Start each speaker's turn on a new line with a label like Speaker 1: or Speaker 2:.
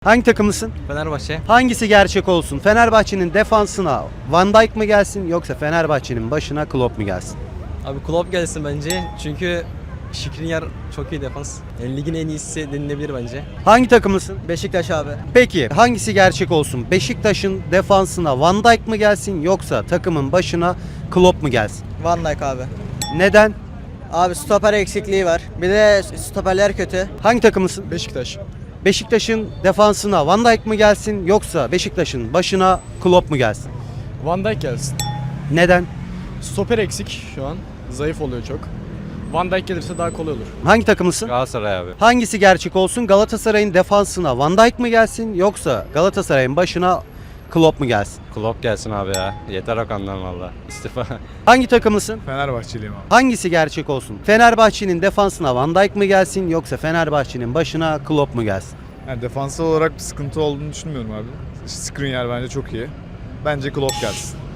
Speaker 1: Hangi takımlısın?
Speaker 2: Fenerbahçe.
Speaker 1: Hangisi gerçek olsun? Fenerbahçe'nin defansına Van Dijk mı gelsin yoksa Fenerbahçe'nin başına Klopp mu gelsin?
Speaker 2: Abi Klopp gelsin bence. Çünkü Skriniar çok iyi defans. Yani ligin en iyisi denilebilir bence.
Speaker 1: Hangi takımlısın?
Speaker 3: Beşiktaş abi.
Speaker 1: Peki hangisi gerçek olsun? Beşiktaş'ın defansına Van Dijk mı gelsin yoksa takımın başına Klopp mu gelsin?
Speaker 3: Van Dijk abi.
Speaker 1: Neden?
Speaker 3: Abi stoper eksikliği var. Bir de stoperler kötü.
Speaker 1: Hangi takımlısın?
Speaker 4: Beşiktaş.
Speaker 1: Beşiktaş'ın defansına Van Dijk mı gelsin yoksa Beşiktaş'ın başına Klopp mu gelsin?
Speaker 4: Van Dijk gelsin.
Speaker 1: Neden?
Speaker 4: Stoper eksik şu an. Zayıf oluyor çok. Van Dijk gelirse daha kolay olur.
Speaker 1: Hangi takımlısın?
Speaker 5: Galatasaray abi.
Speaker 1: Hangisi gerçek olsun? Galatasaray'ın defansına Van Dijk mı gelsin yoksa Galatasaray'ın başına Klopp mu gelsin?
Speaker 5: Klopp gelsin abi ya. Yeter Okan'dan valla. İstifa.
Speaker 1: Hangi takımlısın?
Speaker 4: Fenerbahçeliyim abi.
Speaker 1: Hangisi gerçek olsun? Fenerbahçe'nin defansına Van Dijk mı gelsin yoksa Fenerbahçe'nin başına Klopp mu gelsin?
Speaker 6: Yani defansal olarak bir sıkıntı olduğunu düşünmüyorum abi. Skriniar bence çok iyi. Bence Klopp gelsin.